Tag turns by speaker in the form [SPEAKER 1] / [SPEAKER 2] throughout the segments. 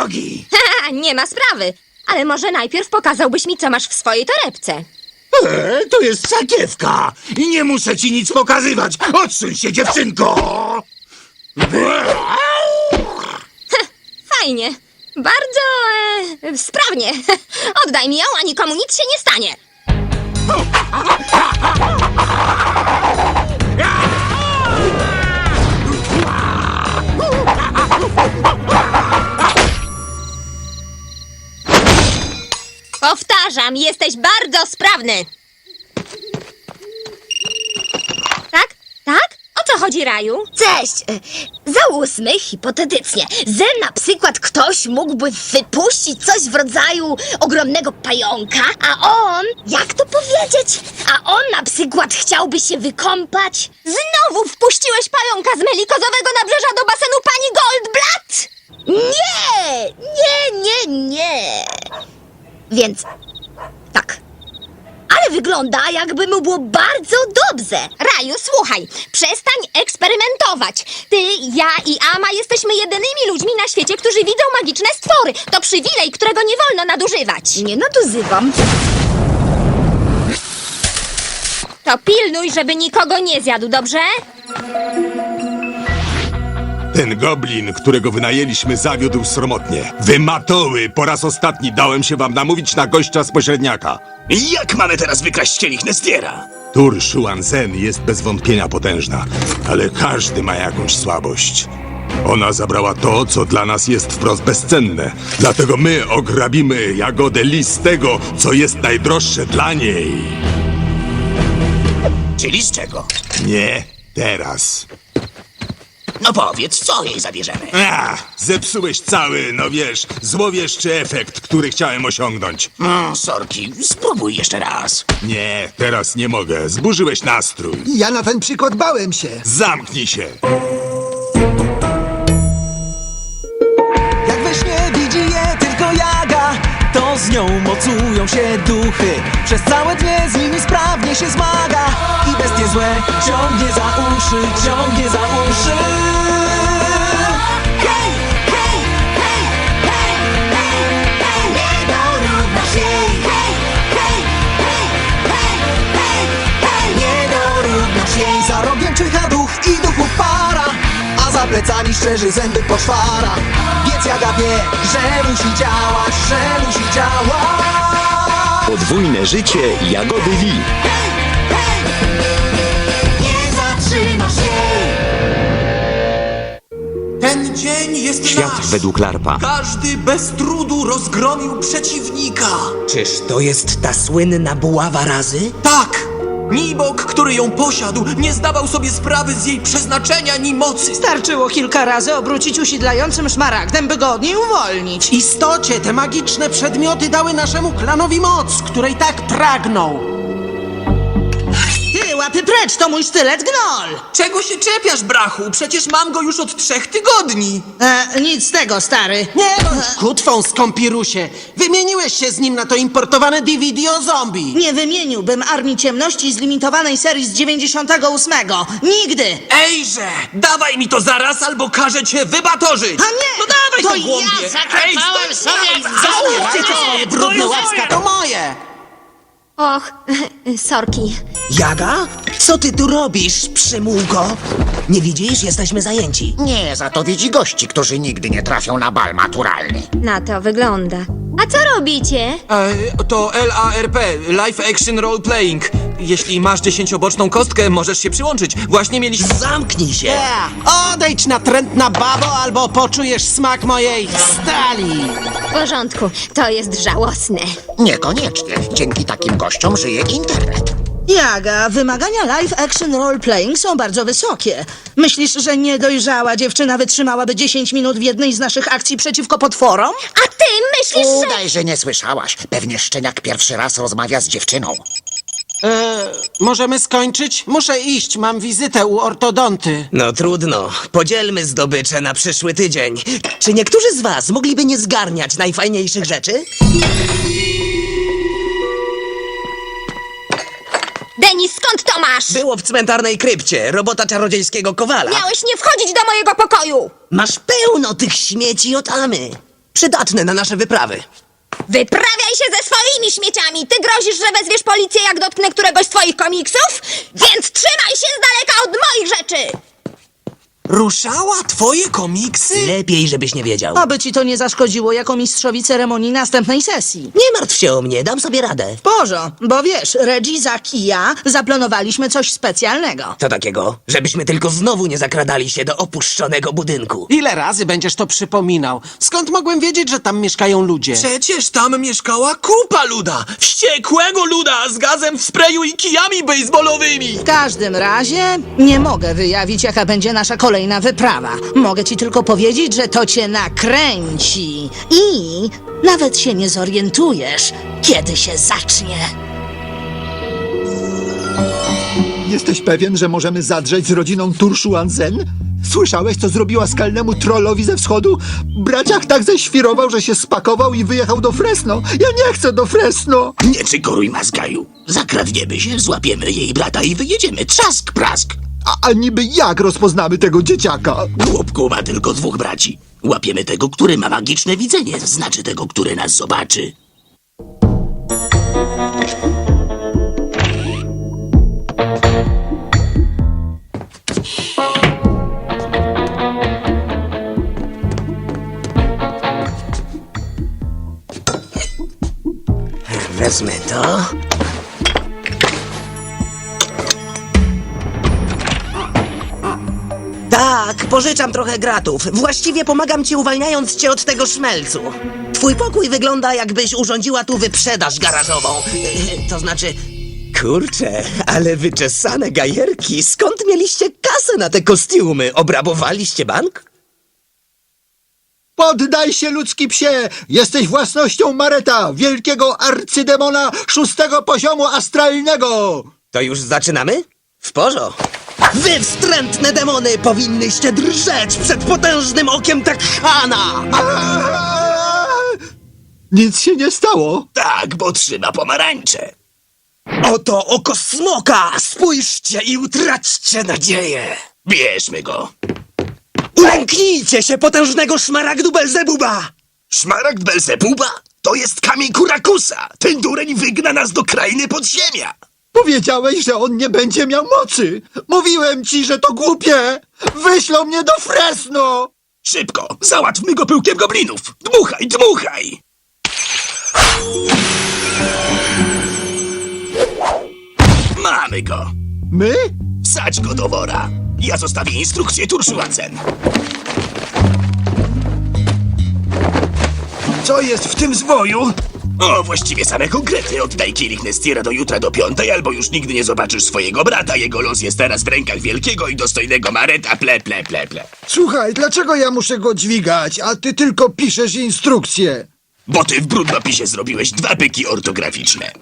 [SPEAKER 1] nogi!
[SPEAKER 2] Haha, nie ma sprawy. Ale może najpierw pokazałbyś mi, co masz w swojej torebce.
[SPEAKER 1] To jest sakiewka i nie muszę ci nic pokazywać. Odsuń się, dziewczynko!
[SPEAKER 2] Fajnie. Bardzo sprawnie. Oddaj mi ją, a nikomu nic się nie stanie. Powtarzam, jesteś bardzo sprawny. Tak? Tak? O co chodzi, Raju?
[SPEAKER 3] Cześć! Załóżmy hipotetycznie, że na przykład ktoś mógłby wypuścić coś w rodzaju ogromnego pająka, a on, jak to powiedzieć, a on na przykład chciałby się wykąpać.
[SPEAKER 2] Znowu wpuściłeś pająka z melikozowego nabrzeża do basenu pani Goldblatt?
[SPEAKER 3] Nie. Więc tak. Ale wygląda, jakby mu było bardzo dobrze.
[SPEAKER 2] Raju, słuchaj, przestań eksperymentować. Ty, ja i Ama jesteśmy jedynymi ludźmi na świecie, którzy widzą magiczne stwory. To przywilej, którego nie wolno nadużywać.
[SPEAKER 3] Nie nadużywam.
[SPEAKER 2] To pilnuj, żeby nikogo nie zjadł, dobrze?
[SPEAKER 4] Ten goblin, którego wynajęliśmy, zawiódł sromotnie. Wy matoły, po raz ostatni dałem się wam namówić na gościa z pośredniaka.
[SPEAKER 1] Jak mamy teraz wykraść kielich Nestiera?
[SPEAKER 4] Tur Shuanzen jest bez wątpienia potężna, ale każdy ma jakąś słabość. Ona zabrała to, co dla nas jest wprost bezcenne. Dlatego my ograbimy Jagodę Li z tego, co jest najdroższe dla niej.
[SPEAKER 1] Czyli z czego?
[SPEAKER 4] Nie teraz.
[SPEAKER 1] No powiedz, co jej zabierzemy?
[SPEAKER 4] Zepsułeś cały, no wiesz, złowieszczy efekt, który chciałem osiągnąć.
[SPEAKER 1] Sorki, spróbuj jeszcze raz.
[SPEAKER 4] Nie, teraz nie mogę. Zburzyłeś nastrój.
[SPEAKER 5] Ja na ten przykład bałem się.
[SPEAKER 4] Zamknij się.
[SPEAKER 6] Jak we śnie widzi je tylko Jaga, to z nią mocują się duchy. Przez całe dnie z nimi sprawnie się zmaga i bestie złe ciągnie za uszy, ciągnie za uszy. Hej, hej, hej, hej, hej, hej, nie dorównasz jej. Hej, hej, hej, hej, hej, hej, nie dorównasz jej. Za rogiem czyha duch i duchów para, a za plecami szczerzy zęby poszwara. Więc Jaga wie, że musi działać, że musi działać.
[SPEAKER 7] Podwójne życie Jagody Li.
[SPEAKER 6] Nie zatrzymasz jej.
[SPEAKER 8] Ten dzień jest
[SPEAKER 7] Świat
[SPEAKER 8] nasz.
[SPEAKER 7] według Larpa.
[SPEAKER 8] Każdy bez trudu rozgromił przeciwnika.
[SPEAKER 9] Czyż to jest ta słynna buława razy?
[SPEAKER 8] Tak! Nibok, który ją posiadł, nie zdawał sobie sprawy z jej przeznaczenia ni mocy.
[SPEAKER 10] Starczyło kilka razy obrócić usidlającym szmaragdem, by go od niej uwolnić.
[SPEAKER 9] W istocie te magiczne przedmioty dały naszemu klanowi moc, której tak pragnął.
[SPEAKER 10] Ty, łapy precz, to mój sztylet Gnoll!
[SPEAKER 8] Czego się czepiasz, brachu? Przecież mam go już od 3 tygodni.
[SPEAKER 10] Nic z tego, stary.
[SPEAKER 9] Nie bądź kutwą, skąpirusie. Wymieniłeś się z nim na to importowane DVD o zombie.
[SPEAKER 10] Nie wymieniłbym Armii Ciemności z limitowanej serii z 98. Nigdy!
[SPEAKER 8] Ejże! Dawaj mi to zaraz, albo każę cię wybatorzyć!
[SPEAKER 10] A nie!
[SPEAKER 8] No dawaj
[SPEAKER 10] To
[SPEAKER 8] to głąbie!
[SPEAKER 10] ja zaklepałem sobie
[SPEAKER 9] Załóżcie te swoje brudne łapska, to moje.
[SPEAKER 2] Och, sorki.
[SPEAKER 9] Jaga? Co ty tu robisz, przymułko? Nie widzisz? Jesteśmy zajęci.
[SPEAKER 1] Nie, za to widzi gości, którzy nigdy nie trafią na bal maturalny.
[SPEAKER 2] Na to wygląda. A co robicie?
[SPEAKER 8] To LARP, Live Action Role Playing. Jeśli masz 10-boczną kostkę, możesz się przyłączyć. Właśnie mieliśmy...
[SPEAKER 9] Zamknij się! Odejdź natrętna babo, albo poczujesz smak mojej stali!
[SPEAKER 2] W porządku, to jest żałosne.
[SPEAKER 1] Niekoniecznie. Dzięki takim gościom żyje internet.
[SPEAKER 10] Jaga, wymagania live action role playing są bardzo wysokie. Myślisz, że niedojrzała dziewczyna wytrzymałaby 10 minut w jednej z naszych akcji przeciwko potworom?
[SPEAKER 2] A ty myślisz, że...
[SPEAKER 1] Udaj, że nie słyszałaś. Pewnie szczeniak pierwszy raz rozmawia z dziewczyną.
[SPEAKER 9] Możemy skończyć? Muszę iść, mam wizytę u ortodonty. No trudno, podzielmy zdobycze na przyszły tydzień. Czy niektórzy z was mogliby nie zgarniać najfajniejszych rzeczy?
[SPEAKER 2] Denis, skąd to masz?
[SPEAKER 9] Było w cmentarnej krypcie, robota czarodziejskiego kowala.
[SPEAKER 2] Miałeś nie wchodzić do mojego pokoju!
[SPEAKER 9] Masz pełno tych śmieci od Amy. Przydatne na nasze wyprawy.
[SPEAKER 2] Wyprawiaj się ze swoimi śmieciami! Ty grozisz, że wezwiesz policję, jak dotknę któregoś z twoich komiksów? Więc trzymaj się z daleka od moich rzeczy!
[SPEAKER 8] Ruszała twoje komiksy?
[SPEAKER 9] Lepiej, żebyś nie wiedział.
[SPEAKER 10] Aby ci to nie zaszkodziło jako mistrzowi ceremonii następnej sesji.
[SPEAKER 9] Nie martw się o mnie, dam sobie radę.
[SPEAKER 10] Porzo, bo wiesz, Reggie, Zak i ja zaplanowaliśmy coś specjalnego.
[SPEAKER 9] To takiego, żebyśmy tylko znowu nie zakradali się do opuszczonego budynku.
[SPEAKER 11] Ile razy będziesz to przypominał? Skąd mogłem wiedzieć, że tam mieszkają ludzie?
[SPEAKER 8] Przecież tam mieszkała kupa luda! Wściekłego luda z gazem w sprayu i kijami baseballowymi!
[SPEAKER 10] W każdym razie nie mogę wyjawić, jaka będzie nasza kolejna wyprawa. Mogę ci tylko powiedzieć, że to cię nakręci. I nawet się nie zorientujesz, kiedy się zacznie.
[SPEAKER 5] Jesteś pewien, że możemy zadrzeć z rodziną Turszuan-Zen? Słyszałeś, co zrobiła skalnemu trollowi ze wschodu? Braciak tak ześwirował, że się spakował i wyjechał do Fresno. Ja nie chcę do Fresno!
[SPEAKER 1] Nie cykoruj, Mazgaju. Zakradniemy się, złapiemy jej brata i wyjedziemy. Trzask, prask.
[SPEAKER 5] A niby jak rozpoznamy tego dzieciaka?
[SPEAKER 1] Głupku ma tylko 2 braci. Łapiemy tego, który ma magiczne widzenie, znaczy tego, który nas zobaczy.
[SPEAKER 9] Wezmę to. Tak, pożyczam trochę gratów. Właściwie pomagam ci, uwalniając cię od tego szmelcu. Twój pokój wygląda, jakbyś urządziła tu wyprzedaż garażową. To znaczy... Kurczę, ale wyczesane gajerki. Skąd mieliście kasę na te kostiumy? Obrabowaliście bank?
[SPEAKER 5] Poddaj się, ludzki psie! Jesteś własnością Mareta, wielkiego arcydemona 6. poziomu astralnego!
[SPEAKER 9] To już zaczynamy? W porządku. Wy wstrętne demony powinnyście drżeć przed potężnym okiem Takhana!
[SPEAKER 5] Nic się nie stało.
[SPEAKER 1] Tak, bo trzyma pomarańcze.
[SPEAKER 9] Oto oko smoka! Spójrzcie i utraćcie nadzieję!
[SPEAKER 1] Bierzmy go.
[SPEAKER 9] Ulęknijcie się potężnego szmaragdu Belzebuba!
[SPEAKER 1] Szmaragd Belzebuba? To jest kamień Kurakusa. Ten dureń wygna nas do krainy podziemia.
[SPEAKER 5] Powiedziałeś, że on nie będzie miał mocy. Mówiłem ci, że to głupie. Wyślą mnie do Fresno.
[SPEAKER 1] Szybko, załatwmy go pyłkiem goblinów. Dmuchaj, dmuchaj. Mamy go.
[SPEAKER 5] My?
[SPEAKER 1] Wsadź go do wora. Ja zostawię instrukcję Turszuan-Zen.
[SPEAKER 5] Co jest w tym zwoju?
[SPEAKER 1] O, właściwie same konkrety. Oddaj kielich Nestira do jutra do 5, albo już nigdy nie zobaczysz swojego brata. Jego los jest teraz w rękach wielkiego i dostojnego Mareta. Ple.
[SPEAKER 5] Słuchaj, dlaczego ja muszę go dźwigać, a ty tylko piszesz instrukcje?
[SPEAKER 1] Bo ty w brudnopisie zrobiłeś 2 pyki ortograficzne.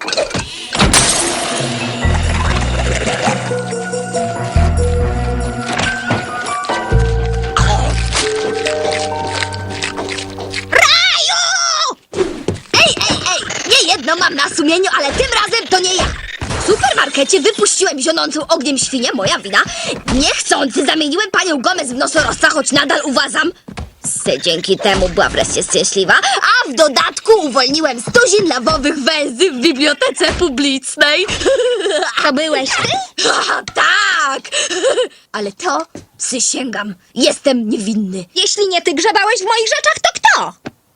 [SPEAKER 3] Nie jedno mam na sumieniu, ale tym razem to nie ja. W supermarkecie wypuściłem zionącą ogniem świnię, moja wina. Niechcący zamieniłem panią Gomez w nosorożca, choć nadal uważam, że dzięki temu była wreszcie szczęśliwa. A w dodatku uwolniłem 100 lawowych węzy w bibliotece publicznej.
[SPEAKER 2] To byłeś ty?
[SPEAKER 3] Tak! Ale to przysięgam, jestem niewinny.
[SPEAKER 2] Jeśli nie ty grzebałeś w moich rzeczach, to kto?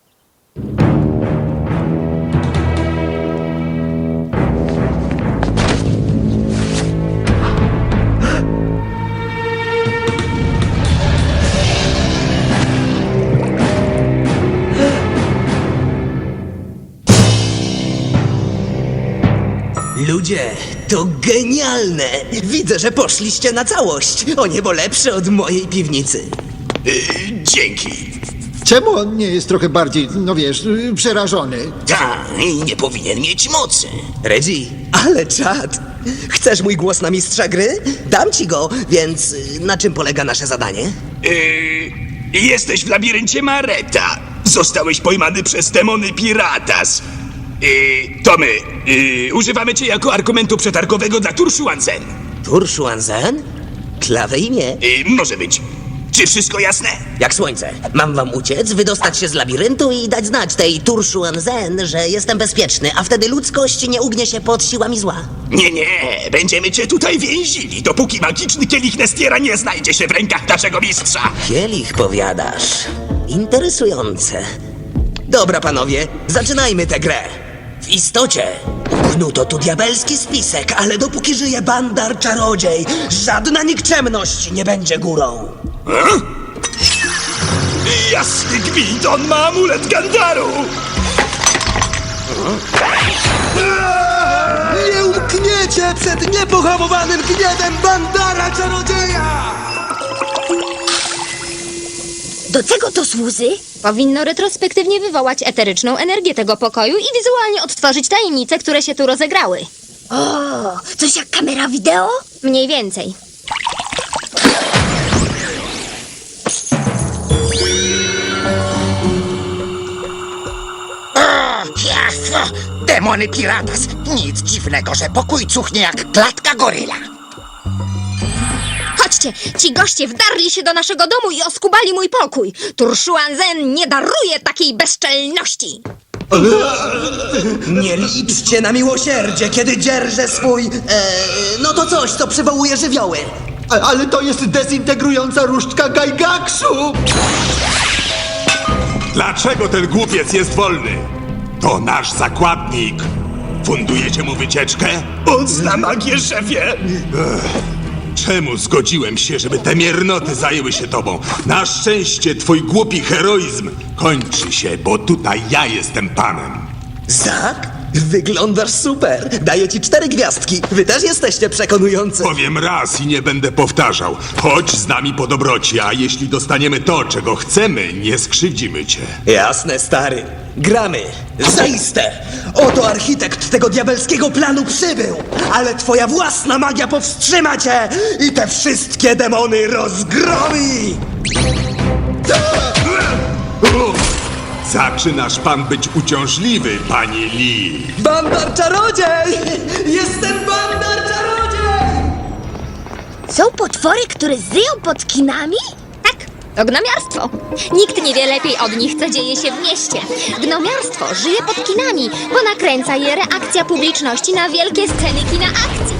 [SPEAKER 9] Ludzie, to genialne! Widzę, że poszliście na całość. O niebo lepsze od mojej piwnicy.
[SPEAKER 1] Dzięki.
[SPEAKER 5] Czemu on nie jest trochę bardziej, no wiesz, przerażony?
[SPEAKER 1] Ta, i nie powinien mieć mocy.
[SPEAKER 9] Reggie, ale czad! Chcesz mój głos na mistrza gry? Dam ci go, więc na czym polega nasze zadanie?
[SPEAKER 1] Jesteś w labiryncie Mareta. Zostałeś pojmany przez demony Piratas. To my. Używamy cię jako argumentu przetargowego dla Turszuan-Zen.
[SPEAKER 9] Turszuan-Zen? Klawe imię.
[SPEAKER 1] Może być. Czy wszystko jasne?
[SPEAKER 9] Jak słońce. Mam wam uciec, wydostać się z labiryntu i dać znać tej Turshuan Zen, że jestem bezpieczny, a wtedy ludzkość nie ugnie się pod siłami zła.
[SPEAKER 1] Nie, będziemy cię tutaj więzili, dopóki magiczny kielich Nestiera nie znajdzie się w rękach naszego mistrza.
[SPEAKER 9] Kielich, powiadasz. Interesujące. Dobra, panowie, zaczynajmy tę grę. W istocie upchnuto tu diabelski spisek, ale dopóki żyje Bandar Czarodziej, żadna nikczemność nie będzie górą.
[SPEAKER 1] Jasny gwint, on ma amulet Gandaru!
[SPEAKER 6] Nie umkniecie przed niepohamowanym gniewem Bandara Czarodzieja!
[SPEAKER 3] Do czego to służy?
[SPEAKER 2] Powinno retrospektywnie wywołać eteryczną energię tego pokoju i wizualnie odtworzyć tajemnice, które się tu rozegrały.
[SPEAKER 3] O, coś jak kamera wideo?
[SPEAKER 2] Mniej więcej.
[SPEAKER 12] Jasno! Demony Piratas! Nic dziwnego, że pokój cuchnie jak klatka goryla.
[SPEAKER 2] Chodźcie, ci goście wdarli się do naszego domu i oskubali mój pokój. Turshuan Zen nie daruje takiej bezczelności.
[SPEAKER 9] Nie liczcie na miłosierdzie, kiedy dzierżę swój... no to coś, co przywołuje żywioły.
[SPEAKER 5] Ale to jest dezintegrująca różdżka Gaigaksu!
[SPEAKER 4] Dlaczego ten głupiec jest wolny? To nasz zakładnik. Fundujecie mu wycieczkę?
[SPEAKER 1] On zna magię, szefie!
[SPEAKER 4] Czemu zgodziłem się, żeby te miernoty zajęły się tobą? Na szczęście twój głupi heroizm kończy się, bo tutaj ja jestem panem.
[SPEAKER 9] Zak? Wyglądasz super. Daję ci 4 gwiazdki. Wy też jesteście przekonujący.
[SPEAKER 4] Powiem raz i nie będę powtarzał. Chodź z nami po dobroci, a jeśli dostaniemy to, czego chcemy, nie skrzywdzimy cię.
[SPEAKER 9] Jasne, stary. Gramy. Zaiste. Oto architekt tego diabelskiego planu przybył. Ale twoja własna magia powstrzyma cię i te wszystkie demony rozgromi.
[SPEAKER 4] Zaczynasz pan być uciążliwy, panie Lee.
[SPEAKER 9] Bandar Czarodziej! Jestem Bandar Czarodziej!
[SPEAKER 3] Są potwory, które żyją pod kinami?
[SPEAKER 2] Tak, to gnomiarstwo. Nikt nie wie lepiej od nich, co dzieje się w mieście. Gnomiarstwo żyje pod kinami, bo nakręca je reakcja publiczności na wielkie sceny kina akcji.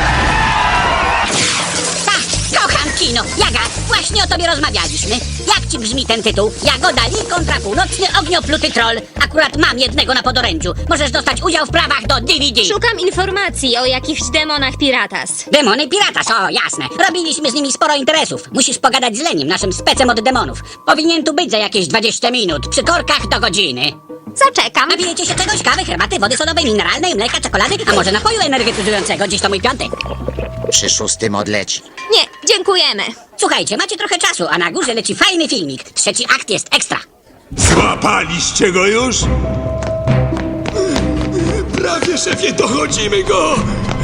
[SPEAKER 13] Kocham kino! Jaga, właśnie o tobie rozmawialiśmy. Jak ci brzmi ten tytuł? Jagoda Lee kontra północny ogniopluty troll. Akurat mam jednego na podorędziu. Możesz dostać udział w prawach do DVD.
[SPEAKER 2] Szukam informacji o jakichś demonach Piratas.
[SPEAKER 13] Demony Piratas, o jasne. Robiliśmy z nimi sporo interesów. Musisz pogadać z Lenim, naszym specem od demonów. Powinien tu być za jakieś 20 minut, przy korkach do godziny.
[SPEAKER 2] Zaczekam.
[SPEAKER 13] Napijecie się czegoś? Kawy, herbaty, wody sodowej, mineralnej, mleka, czekolady? A może napoju energetyzującego? Dziś to mój piątek.
[SPEAKER 12] Przy 6 odleci.
[SPEAKER 2] Nie, dziękujemy.
[SPEAKER 13] Słuchajcie, macie trochę czasu, a na górze leci fajny filmik. 3. akt jest ekstra.
[SPEAKER 4] Złapaliście go już?
[SPEAKER 1] Prawie, szefie, dochodzimy go!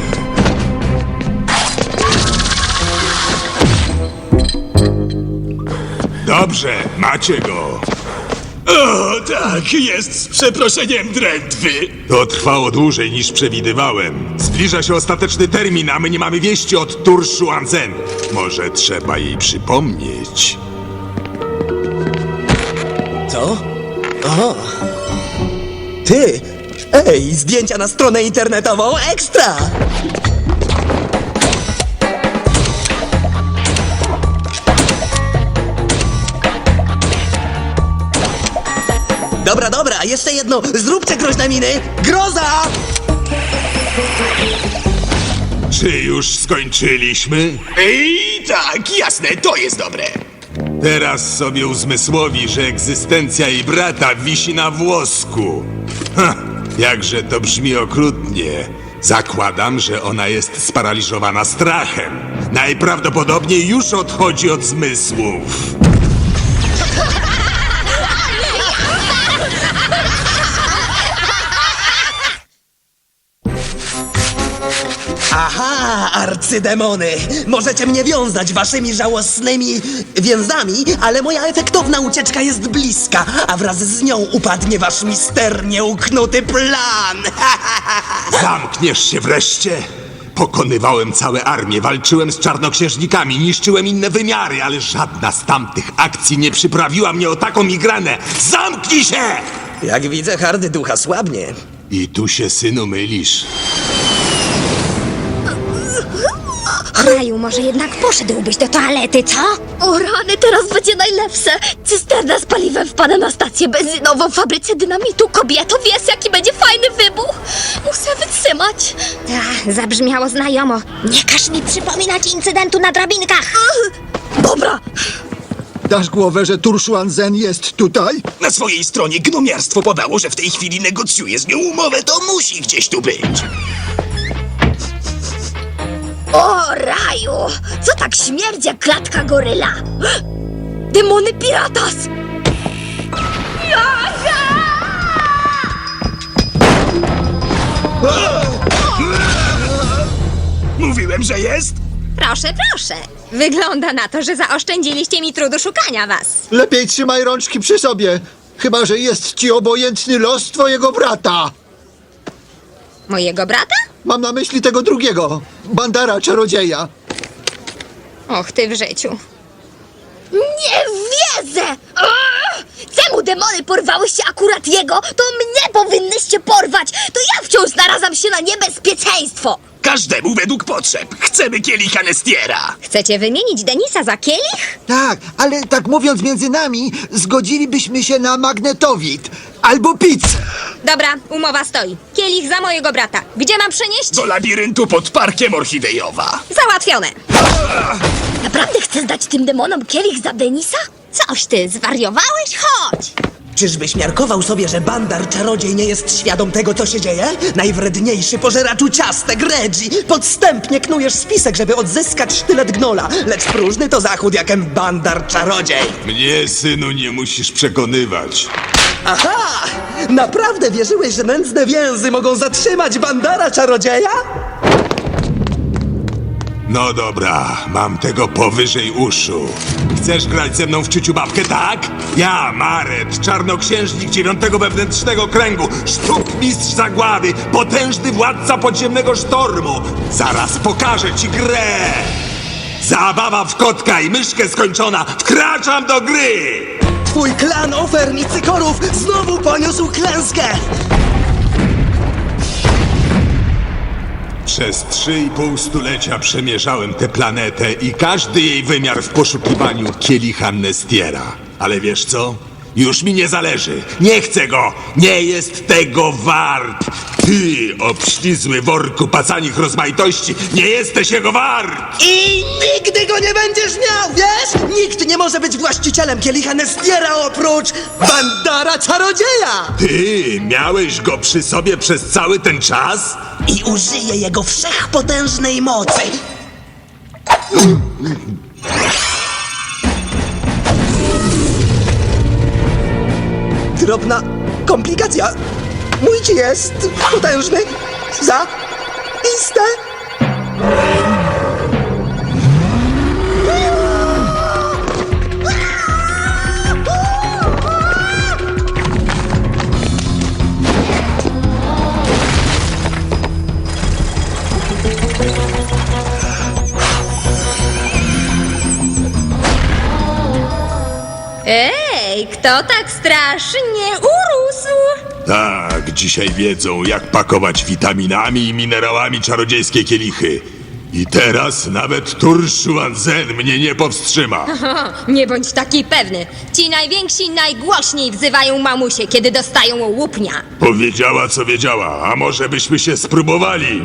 [SPEAKER 4] Dobrze, macie go.
[SPEAKER 1] O, tak, jest z przeproszeniem drętwy.
[SPEAKER 4] To trwało dłużej niż przewidywałem. Zbliża się ostateczny termin, a my nie mamy wieści od Turshuan Zen. Może trzeba jej przypomnieć.
[SPEAKER 9] Co? O! Ty! Ej, zdjęcia na stronę internetową ekstra! Dobra, jeszcze jedno. Zróbcie groźne miny. Groza!
[SPEAKER 4] Czy już skończyliśmy?
[SPEAKER 1] I tak, jasne, to jest dobre.
[SPEAKER 4] Teraz sobie uzmysłowi, że egzystencja jej brata wisi na włosku. Ha, jakże to brzmi okrutnie. Zakładam, że ona jest sparaliżowana strachem. Najprawdopodobniej już odchodzi od zmysłów.
[SPEAKER 9] Aha, arcydemony! Możecie mnie wiązać waszymi żałosnymi więzami, ale moja efektowna ucieczka jest bliska, a wraz z nią upadnie wasz misternie uknuty plan!
[SPEAKER 4] Zamkniesz się wreszcie? Pokonywałem całe armie, walczyłem z czarnoksiężnikami, niszczyłem inne wymiary, ale żadna z tamtych akcji nie przyprawiła mnie o taką migrenę. Zamknij się!
[SPEAKER 9] Jak widzę, hardy ducha słabnie.
[SPEAKER 4] I tu się, synu, mylisz.
[SPEAKER 2] Raju, może jednak poszedłbyś do toalety, co?
[SPEAKER 3] O rany, teraz będzie najlepsze! Cysterna z paliwem wpada na stację benzynową w fabryce dynamitu. Kobieto, wiesz, jaki będzie fajny wybuch? Muszę wytrzymać.
[SPEAKER 2] Zabrzmiało znajomo. Nie każ mi przypominać incydentu na drabinkach.
[SPEAKER 3] Dobra,
[SPEAKER 5] Dasz głowę, że Turszuan Zen jest tutaj?
[SPEAKER 1] Na swojej stronie gnomiarstwo podało, że w tej chwili negocjuje z nią umowę, to musi gdzieś tu być.
[SPEAKER 3] O raju! Co tak śmierdzi jak klatka goryla? Demony Piratas!
[SPEAKER 1] Mówiłem, że jest?
[SPEAKER 2] Proszę, proszę. Wygląda na to, że zaoszczędziliście mi trudu szukania was.
[SPEAKER 5] Lepiej trzymaj rączki przy sobie. Chyba że jest ci obojętny los twojego brata.
[SPEAKER 2] Mojego brata?
[SPEAKER 5] Mam na myśli tego drugiego. Bandara czarodzieja.
[SPEAKER 2] Och, ty w życiu.
[SPEAKER 3] Nie wierzę! Czemu demony porwałyście akurat jego? To mnie powinnyście porwać! To ja wciąż narażam się na niebezpieczeństwo!
[SPEAKER 1] Każdemu według potrzeb. Chcemy kielicha Nestiera.
[SPEAKER 2] Chcecie wymienić Denisa za kielich?
[SPEAKER 5] Tak, ale tak mówiąc między nami, zgodzilibyśmy się na magnetowid albo pizzę.
[SPEAKER 2] Dobra, umowa stoi. Kielich za mojego brata. Gdzie mam przenieść?
[SPEAKER 1] Do labiryntu pod Parkiem Orchidejowa.
[SPEAKER 2] Załatwione.
[SPEAKER 3] Naprawdę chcesz dać tym demonom kielich za Denisa?
[SPEAKER 2] Coś ty, zwariowałeś? Chodź!
[SPEAKER 9] Czyżbyś miarkował sobie, że Bandar czarodziej nie jest świadom tego, co się dzieje? Najwredniejszy pożeraczu ciastek, Reggie! Podstępnie knujesz spisek, żeby odzyskać sztylet gnola, lecz próżny to zachód, jakem Bandar czarodziej!
[SPEAKER 4] Mnie, synu, nie musisz przekonywać.
[SPEAKER 9] Aha! Naprawdę wierzyłeś, że nędzne więzy mogą zatrzymać Bandara czarodzieja?
[SPEAKER 4] No dobra, mam tego powyżej uszu. Chcesz grać ze mną w ciuciu babkę, tak? Ja, Maret, czarnoksiężnik 9 wewnętrznego kręgu, sztukmistrz zagłady, potężny władca podziemnego sztormu. Zaraz pokażę ci grę! Zabawa w kotka i myszkę skończona, wkraczam do gry!
[SPEAKER 9] Twój klan ofern i cykorów znowu poniósł klęskę!
[SPEAKER 4] Przez 3,5 stulecia przemierzałem tę planetę i każdy jej wymiar w poszukiwaniu kielicha Nestiera. Ale wiesz co? Już mi nie zależy. Nie chcę go! Nie jest tego wart! Ty, obślizły worku pacanich rozmaitości, nie jesteś jego wart!
[SPEAKER 9] I nigdy go nie będziesz miał, wiesz? Nikt nie może być właścicielem kielicha Nestiera oprócz Bandara czarodzieja!
[SPEAKER 4] Ty, miałeś go przy sobie przez cały ten czas?
[SPEAKER 9] I użyję jego wszechpotężnej mocy! Drobna komplikacja. Mój ci jest potężny za istę.
[SPEAKER 2] Ej, kto tak strasznie urósł?
[SPEAKER 4] Tak, dzisiaj wiedzą, jak pakować witaminami i minerałami czarodziejskie kielichy. I teraz nawet Turszuan Zen mnie nie powstrzyma.
[SPEAKER 2] Nie bądź taki pewny. Ci najwięksi najgłośniej wzywają mamusie, kiedy dostają łupnia.
[SPEAKER 4] Powiedziała, co wiedziała, a może byśmy się spróbowali?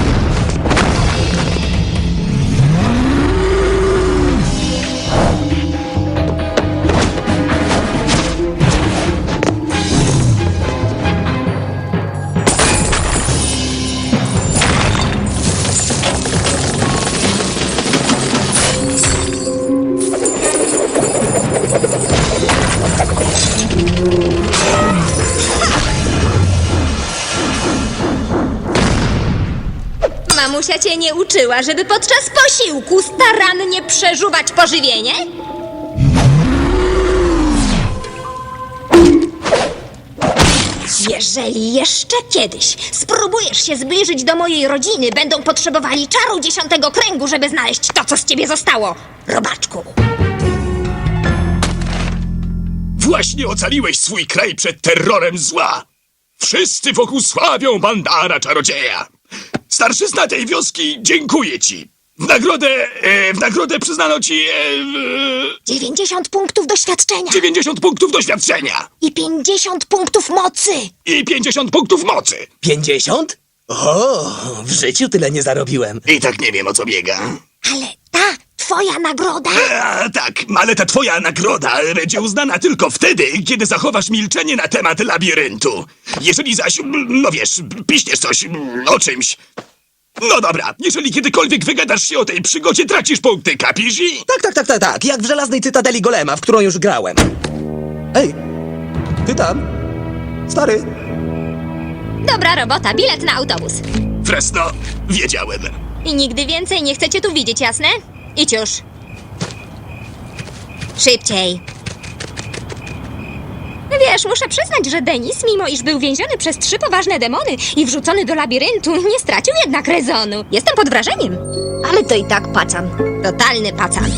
[SPEAKER 2] Mamusia cię nie uczyła, żeby podczas posiłku starannie przeżuwać pożywienie? Jeżeli jeszcze kiedyś spróbujesz się zbliżyć do mojej rodziny, będą potrzebowali czaru 10. kręgu, żeby znaleźć to, co z ciebie zostało, robaczku.
[SPEAKER 1] Właśnie ocaliłeś swój kraj przed terrorem zła. Wszyscy wokół sławią Bandara Czarodzieja. Starszyzna tej wioski dziękuję ci. W nagrodę przyznano ci
[SPEAKER 2] 90 punktów doświadczenia
[SPEAKER 1] 90 punktów doświadczenia
[SPEAKER 2] i 50 punktów mocy.
[SPEAKER 1] i 50 punktów mocy.
[SPEAKER 9] 50? O, w życiu tyle nie zarobiłem.
[SPEAKER 1] I tak nie wiem, o co biega.
[SPEAKER 2] Ale ta twoja nagroda...
[SPEAKER 1] Tak, ale ta twoja nagroda będzie uznana tylko wtedy, kiedy zachowasz milczenie na temat labiryntu. Jeżeli zaś, no wiesz, piśniesz coś o czymś. No dobra, jeżeli kiedykolwiek wygadasz się o tej przygodzie, tracisz punkty, kapisz?
[SPEAKER 9] Tak, jak w Żelaznej Cytadeli Golema, w którą już grałem. Ej, ty tam? Stary.
[SPEAKER 2] Dobra robota, bilet na autobus.
[SPEAKER 1] Fresno, wiedziałem.
[SPEAKER 2] I nigdy więcej nie chcecie tu widzieć, jasne? Idź już. Szybciej. Wiesz, muszę przyznać, że Denis, mimo iż był więziony przez 3 poważne demony i wrzucony do labiryntu, nie stracił jednak rezonu. Jestem pod wrażeniem.
[SPEAKER 3] Ale to i tak pacan.
[SPEAKER 2] Totalny pacan.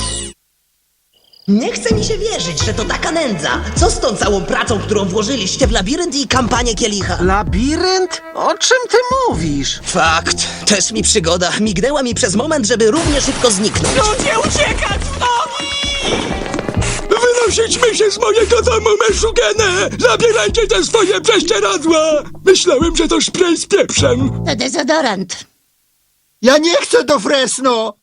[SPEAKER 9] Nie chce mi się wierzyć, że to taka nędza. Co z tą całą pracą, którą włożyliście w labirynt i kampanię Kielicha?
[SPEAKER 11] Labirynt? O czym ty mówisz?
[SPEAKER 9] Fakt. Też mi przygoda. Mignęła mi przez moment, żeby równie szybko zniknąć.
[SPEAKER 8] Ludzie, uciekać stąd!
[SPEAKER 1] Wynosićmy się z mojego domu, Meszugene! Zabierajcie te swoje prześcieradła! Myślałem, że to szprej z pieprzem.
[SPEAKER 3] To dezodorant.
[SPEAKER 5] Ja nie chcę do Fresno!